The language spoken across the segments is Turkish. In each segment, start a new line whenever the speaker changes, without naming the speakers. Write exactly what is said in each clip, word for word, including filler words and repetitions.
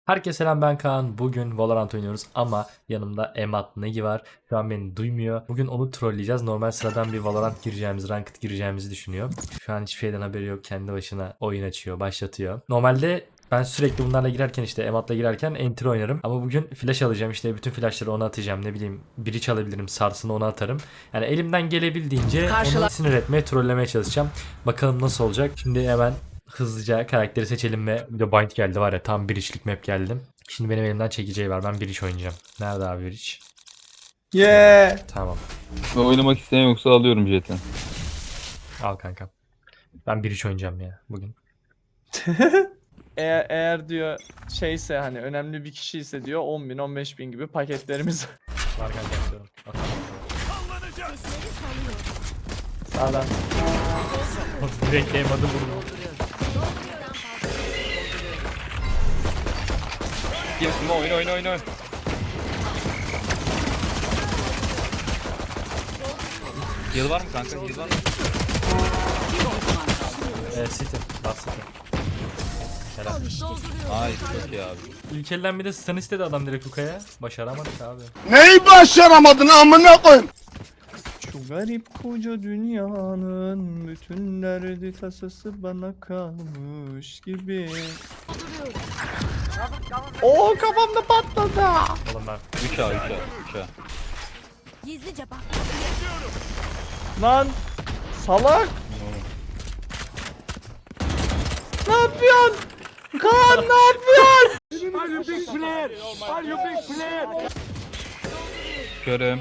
Herkese selam, ben Kaan. Bugün Valorant oynuyoruz ama yanımda Emat Negi var. Şu an beni duymuyor. Bugün onu trolleyeceğiz. Normal sıradan bir Valorant gireceğimiz, Ranked gireceğimizi düşünüyor. Şu an hiçbir şeyden haberi yok. Kendi başına oyun açıyor, başlatıyor. Normalde ben sürekli bunlarla girerken, işte Emat'la girerken enter oynarım. Ama bugün flash alacağım, işte bütün flashları ona atacağım. Ne bileyim, biri çalabilirim, sarsını ona atarım. Yani elimden gelebildiğince
Karşıla-
onu sinir etmeye, trollemeye çalışacağım. Bakalım nasıl olacak. Şimdi hemen hızlıca karakteri seçelim ve bir de bind geldi var ya, tam bir içlik map geldi. Şimdi benim elimden çekeceği var, ben bir iç oynayacağım. Nerede abi bir iç?
Yeah.
Tamam,
Ve oynamak isteyen yoksa alıyorum jeti.
al kankam. Ben bir iç oynayacağım ya bugün.
Eğer, eğer diyor şeyse hani önemli bir kişi ise diyor on bin on beş bin gibi paketlerimiz
Var kanka, atıyorum. Atalım.
sağdan.
Direkt game adı vurdum.
Girsin oyna oyna oyna. Heal var mı kanka? Heal var mı?
Ee, City. Bas City. Helal.
Ay çok iyi abi.
İlk elden bir de stun istedi adam direkt Luka'ya. Başaramadık abi.
Neyi başaramadın amına koyayım?
Şu garip koca dünyanın bütün derdi tasası bana kalmış gibi. Oo kafamda patladı.
Oğlum ben.
üç A üç A üç A.
Gizlice bak.
Lan salak. Ne yapıyorsun? Kaan ne yapıyorsun?
Körüm.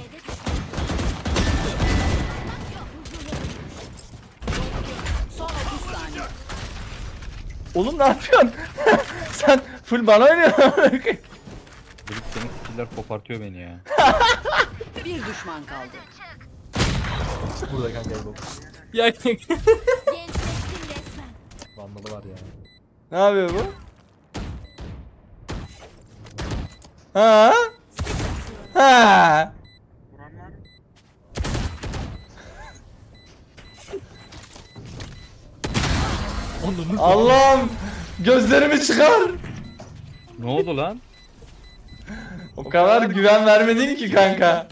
Son otuz saniye.
Oğlum ne yapıyorsun? Sen full bana oynuyorsun.
Delik senin skiller kopartıyor beni ya.
Bir düşman kaldı.
Burada kanka bu. Ya
Gençleştin resmen.
Vandalı var ya.
Ne yapıyor bu? Ha? Ha?
Onun
Allah'ım gözlerimi çıkar.
Ne oldu lan?
O kadar güven vermedin ki kanka.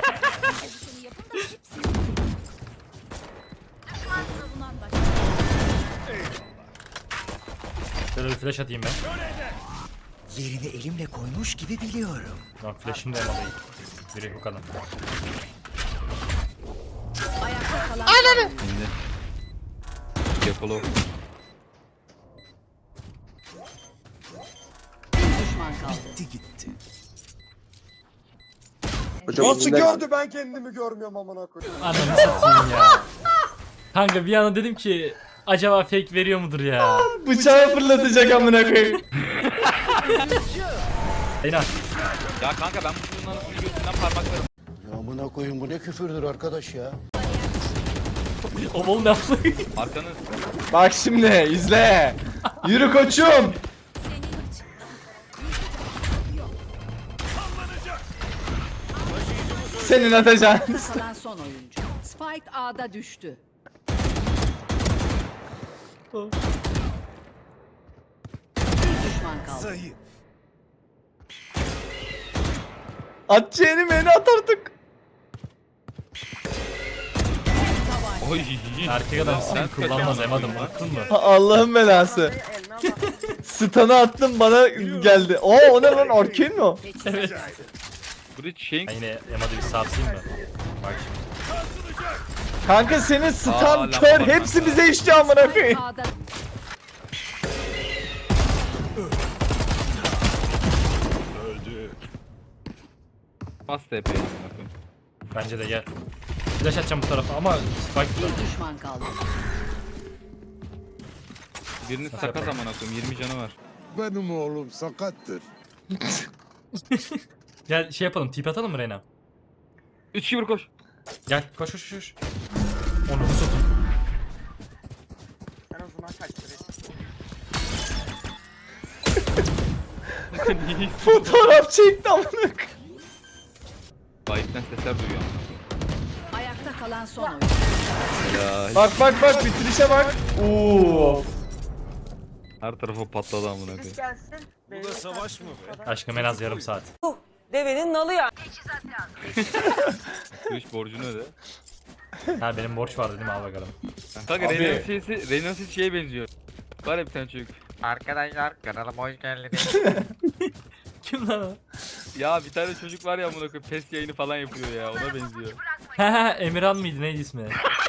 Şöyle bir flash atayım ben.
Yerini elimle koymuş gibi biliyorum.
Lan flash'ım da olmadı. Biri bu kadar.
Ayakta kalan Ananı.
Şimdi. Yakalo.
Bir düşman kaldı.
Gitti gitti.
Nasıl gördü ben kendimi görmüyorum amına koyayım.
Ananı satayım ya. Kanka bir anda dedim ki acaba fake veriyor mudur ya?
Bıçağı fırlatacak amına koyayım.
Eyna.
Ya kanka ben bunun anasını göğsünden parmaklarım.
Amına koyayım bu ne küfürdür arkadaş ya.
O bol ne yaptı?
Arkanız.
Bak şimdi izle. Yürü koçum. Senin atacağın.
Kalan son oyuncu. Spike A'da düştü. Bir düşman kaldı.
Zayıf.
Atacağını beni at artık.
Oy.
Erkek adam sen kullanmaz emadım, baktın mı?
Ha, Allah'ın belası. Stun'ı attım bana geldi. Oo o ne lan Arcane mi o?
Evet.
Bridge şeyin.
Ben yine emadı bir sarsayım mı? Bak şimdi.
Kanka senin
Aa,
stun
laf
kör
var
hepsi
kanka.
bize işçi amına
Spike
koyayım.
A'da
Bas T P'ye amına koyayım.
Bence de gel. Flash atacağım bu tarafa ama spike
bir düşman kaldı.
Biriniz sakat amına koyayım. yirmi canı var.
Benim oğlum sakattır.
Gel şey yapalım, tip atalım mı Reyna?
üç iki bir koş.
Gel koş koş koş. Onu bu satın.
Fotoğraf çekti amına koyayım.
Bayikten sesler duyuyor.
Ayakta kalan son oyuncu.
Helal.
Bak bak bak bitirişe bak. Oo.
Her tarafa patladı amına koyayım.
Bu da savaş mı be?
Aşkım en az yarım saat.
Devenin nalı ya.
Twitch borcunu öde.
Ha benim borç vardı değil mi? Al bakalım.
Kanka
Abi.
Reyna'nın sesi, Reyna'nın sesi şeye benziyor. Var ya bir tane çocuk.
Arkadaşlar kanalıma hoş geldiniz.
Kim lan o?
Ya bir tane çocuk var ya amına koyayım pes yayını falan yapıyor ya ona benziyor.
He he Emirhan mıydı neydi ismi?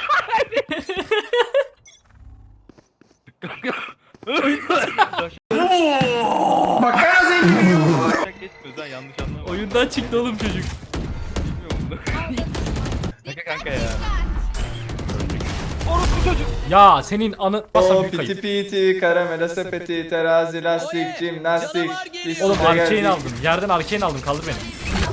Makara zengin. Geçmiyoruz ha yanlış anlama.
Oyundan çıktı oğlum çocuk.
Bilmiyorum bunu. Kanka kanka ya. Orospu çocuk.
Ya senin anı... Basam
O
büyük
piti
kayıp.
piti, karamela sepeti, terazi, lastik, jimnastik.
Oğlum
üstüne
arcane
geldik.
aldım. Yerden arcane aldım. Kaldır beni.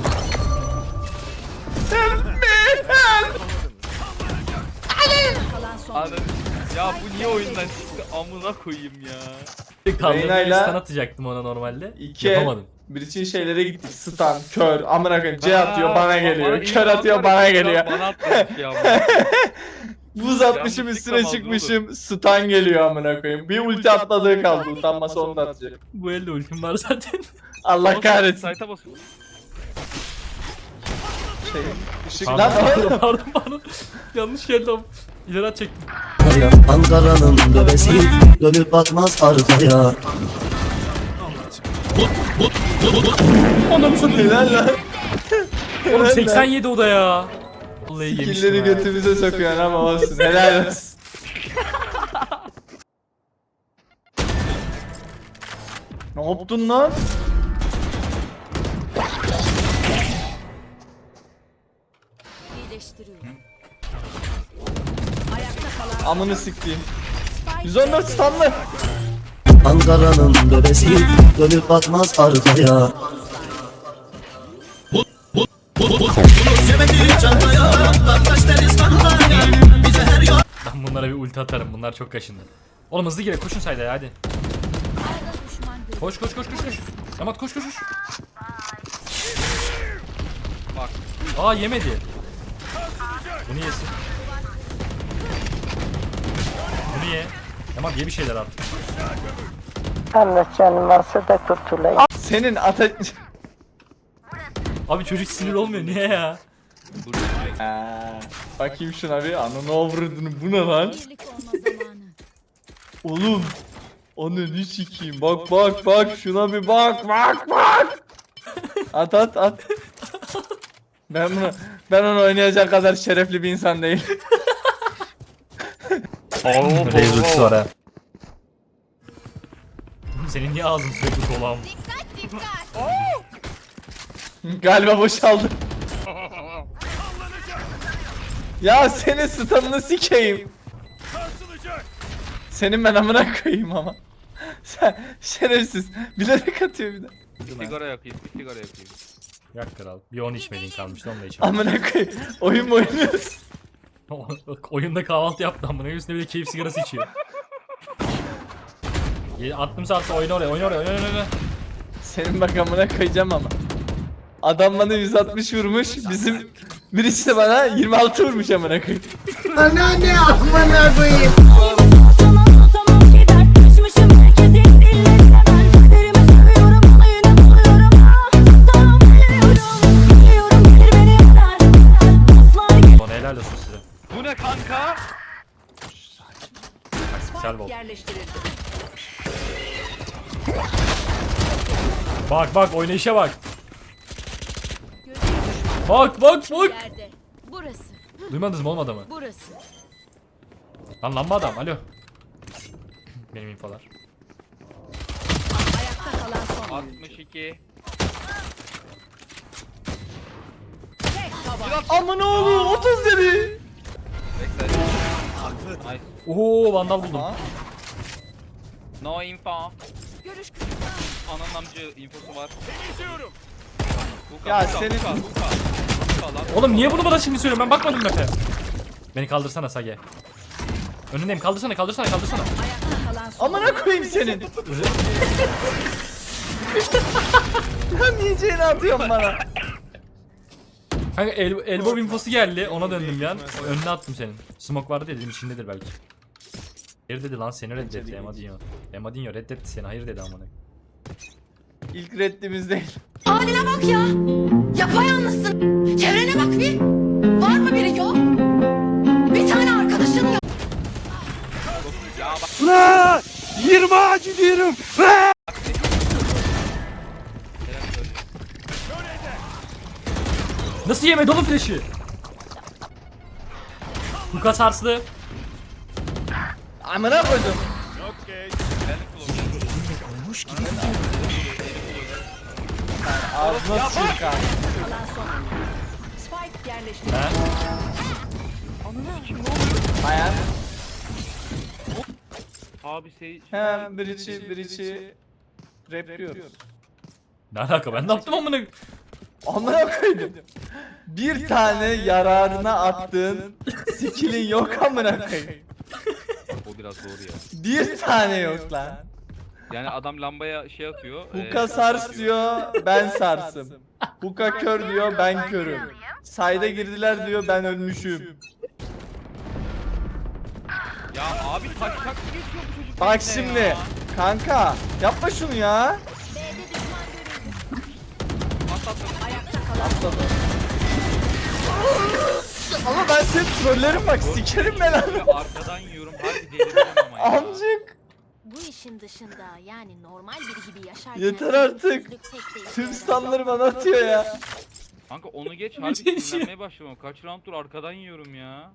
Kalan son
Ananı. Ya bu niye oyundan çıktı amına koyayım ya.
Kaldırmayı
Reyna'yla-
stun atacaktım ona normalde.
İki.
Yapamadım.
Bir için şeylere gittik. Stun, kör, amına koyayım. C atıyor
Aa,
bana geliyor.
bana
Kör
ilk
atıyor
anlar
bana
ya,
geliyor.
Bana atlamış ya amına.
Buz atmışım
Yanlış
üstüne
yıkamaz
çıkmışım. Stun geliyor amına koyayım. Bir ulti atladığı kaldı. Utanmasa onu da atacak.
Bu elde ultim var zaten.
Allah kahretsin.
Site'a basın.
Şey, ışık
Pardon
lan.
pardon pardon, pardon. Yanlış geldi ama. İleri at çektim.
Ankara'nın bebesi dönüp bakmaz arkaya.
Anamı satayım.
Helal lan.
Oğlum
Helal
seksen
lan.
yedi o da ya. Vallahi yemiştim
Skill'leri
ha.
götümüze sokuyorsun ama olsun. Helal olsun. Ne yaptın lan?
iyileştiriyorum. Ayakta kalan
Amını siktiğim. yüz on dört stunlı.
Ankara'nın bebesi dönüp bakmaz arkaya.
Ben bunlara bir ulti atarım. Bunlar çok kaşındı. Oğlum hızlı gire. Koşun sayda ya hadi. Koş koş koş koş koş. Yamat koş koş koş.
Bak.
Aa yemedi. Bunu yesin. Bunu ye. Yamat ye bir şeyler artık.
Allah canım varsa da kurtulayım.
Senin ata...
Abi çocuk sinir olmuyor niye ya?
Dur.
Ha, bakayım şuna bir ananı avradını bu ne lan?
birlik olma zamanı.
Oğlum. Ananı sikeyim bak bak bak şuna bir bak bak bak. At at at. Ben bunu ben onu oynayacak kadar şerefli bir insan değil.
Reis ultisi var ha. Senin niye ağzın sürekli dolan?
Galiba boşaldı. Ya senin stun'ını sikeyim. Senin ben amına koyayım ama. Sen şerefsiz. Bilerek atıyor bir de.
Sigara yakayım, bir sigara yakayım.
Yak kral. Bir on içmediğin kalmıştı onu da içelim.
Amına koyayım. Oyun mu oynuyoruz?
Oyunda kahvaltı yaptı amına üstüne bir de keyif sigarası içiyor. Ye- Attım saatte oyna oraya oyna oraya oyna oyna oyna.
Senin bak amına koyacağım ama. Adam bana yüz altmış vurmuş. Bizim birisi de bana yirmi altı vurmuş amına koyayım.
Bana helal olsun size.
Bu ne kanka?
Güzel bol.
Yerleştirildi.
Bak bak oynayışa bak. Bak bak bak.
Yerde. Burası.
Duymadınız mı oğlum adamı?
Burası.
Lan lamba adam alo. Benim infolar.
Ayakta kalan son oyuncu.
altmış iki.
Tek taban.
Amına oğlum otuz dedi.
Bekle. Nice.
Oo vandal buldum.
Ha?
No info.
Görüş
Ananın amcı infosu var. Buka,
Ya
buka,
senin-
buka, buka. Buka lan.
Oğlum niye bunu bana şimdi söylüyorsun? Ben bakmadım map'e. Beni kaldırsana Sage. Önündeyim. Kaldırsana, kaldırsana, kaldırsana.
ayakta kalan son
Amına koyayım senin. Lan yiyeceğini atıyorsun bana.
Kanka el, elbow infosu geldi. Ona döndüm yan. Önüne attım senin. Smoke vardı ya dedim içindedir belki. Hayır dedi lan seni reddetti
İçeri
Emadinho. Emadinho reddetti seni hayır dedi amına.
İlk reddimiz değil.
Haline bak ya. Yapayalnızsın. Çevrene bak bir. Var mı biri yok? Bir tane arkadaşın yok.
Nasıl yemedi oğlum flash'ı? Luka sarslı.
Amına koydum. Ağzına sıçayım kanka.
Kalan son oyuncu. Spike yerleştirildi.
Ha?
Bayan.
Abi şey...
Hem bir içi bir içi rap diyoruz.
Ne alaka ben ne yaptım amına?
Amına koydum. Bir tane yararına attığın skill'in yok amına koyayım.
O biraz doğru ya.
Bir tane yok lan.
Yani adam lambaya şey atıyor.
Huka sars diyor, ben sarsım. Huka kör diyor, ben körüm. Sayda girdiler diyor, ben ölmüşüm.
Ya abi taş tak geçiyor bu çocuk.
Bak
benimle
şimdi,
ya.
kanka yapma şunu ya.
At, at, at.
Ayakta kalan
Ama ben seni trollerim bak, sikerim ben abi.
Böyle arkadan yiyorum. Harbi delireceğim ama ya.
Amcık,
Bu işin dışında yani normal biri gibi yaşarken
yeter artık.
sözlük pek de işe
Tüm
yaramaz.
stunları bana atıyor ya.
Kanka onu geç harbi sinirlenmeye başladım. Kaç rounddur arkadan yiyorum ya.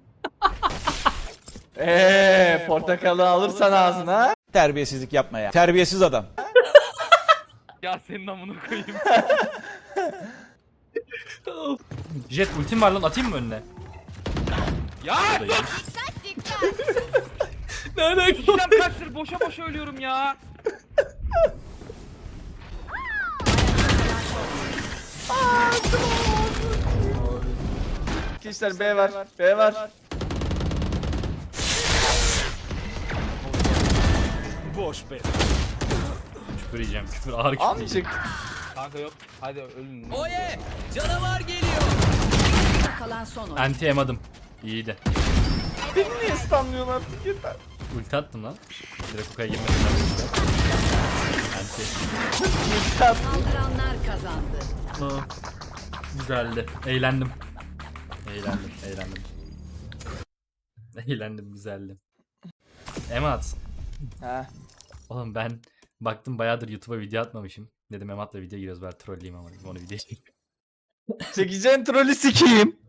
Eee, portakalı alırsan ağzına.
Terbiyesizlik yapma ya. Terbiyesiz adam.
Ya senin amına koyayım.
Jet ultim var lan atayım mı önüne?
Ya
Ne alaka?
işlem kaçtır boşa boşa ölüyorum ya.
Arkadaşlar B var, B var.
Küfür yiyeceğim küfür ağır küfür yiyeceğim.
Amcık.
Kanka yok. Hadi ölün.
ayakta kalan son oyuncu.
Anti emadım. İyiydi.
Beni niye stunlıyorsun artık yeter.
Ulti attım lan. Direkt Huka'ya girmedim ben. Anti.
Saldıranlar kazandı.
Aa, güzeldi. Eğlendim. Eğlendim, eğlendim. Eğlendim, güzeldi. Emat.
Ha.
Oğlum ben baktım bayağıdır YouTube'a video atmamışım. Dedim Emat'la video giriyoruz bari trolleyeyim ama dedim onu video çekeyim.
Çekeceğin trolü sikeyim.